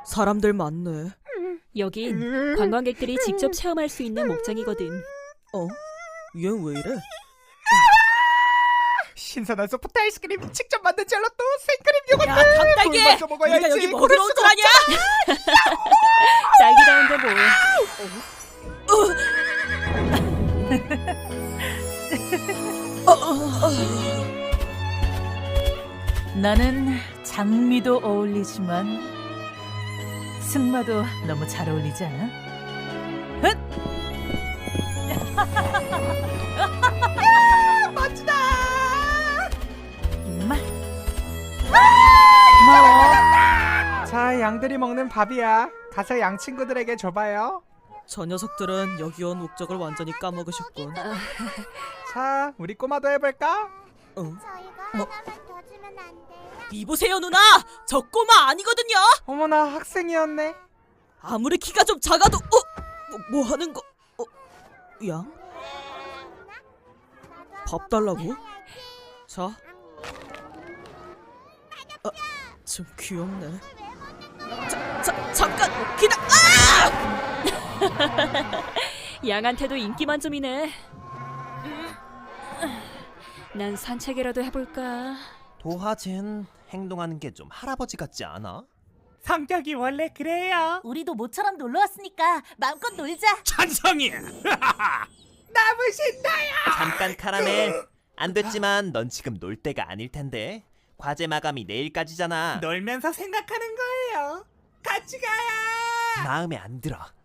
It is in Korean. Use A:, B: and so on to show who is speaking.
A: 사람들 많네.
B: 여긴 관광객들이 직접 체험할 수 있는 목장이거든.
A: 얘는 왜 이래?
C: 신선한 소프트 아이스크림, 직접 만든 젤라또, 생크림 요거트.
A: 야, 닭딸기!
C: 물 마저 먹어야지.
A: 우리가 여기 뭐
C: 고를
A: 들어온 줄
C: 수가
A: 아냐?
B: 딸기다운데 뭐.
D: 나는 장미도 어울리지만 승마도 너무 잘 어울리지 않아? 헛!
C: 멋지다.
D: 임마. 고마워.
C: 자, 양들이 먹는 밥이야. 가서 양 친구들에게 줘봐요.
A: 저 녀석들은 여기 온 목적을 완전히 까먹으셨군.
C: 자, 우리 꼬마도 해볼까?
E: 저희가 하나만 더 주면 안 돼요?
A: 이보세요 누나! 저 꼬마 아니거든요!
C: 어머나, 학생이었네.
A: 아무리 키가 좀 작아도 뭐 하는 거? 양? 밥 달라고? 자. 좀 귀엽네. 잠깐 기다려.
B: 양한테도 인기 만점이네. 난 산책이라도 해볼까?
F: 도화젠 행동하는 게 좀 할아버지 같지 않아?
C: 성격이 원래 그래요.
D: 우리도 모처럼 놀러 왔으니까 마음껏 놀자.
F: 찬성이야!
C: 너무 신나요.
F: 잠깐 카라멜. 안 됐지만 넌 지금 놀 때가 아닐 텐데. 과제 마감이 내일까지잖아.
C: 놀면서 생각하는 거예요. 같이 가요.
F: 마음에 안 들어.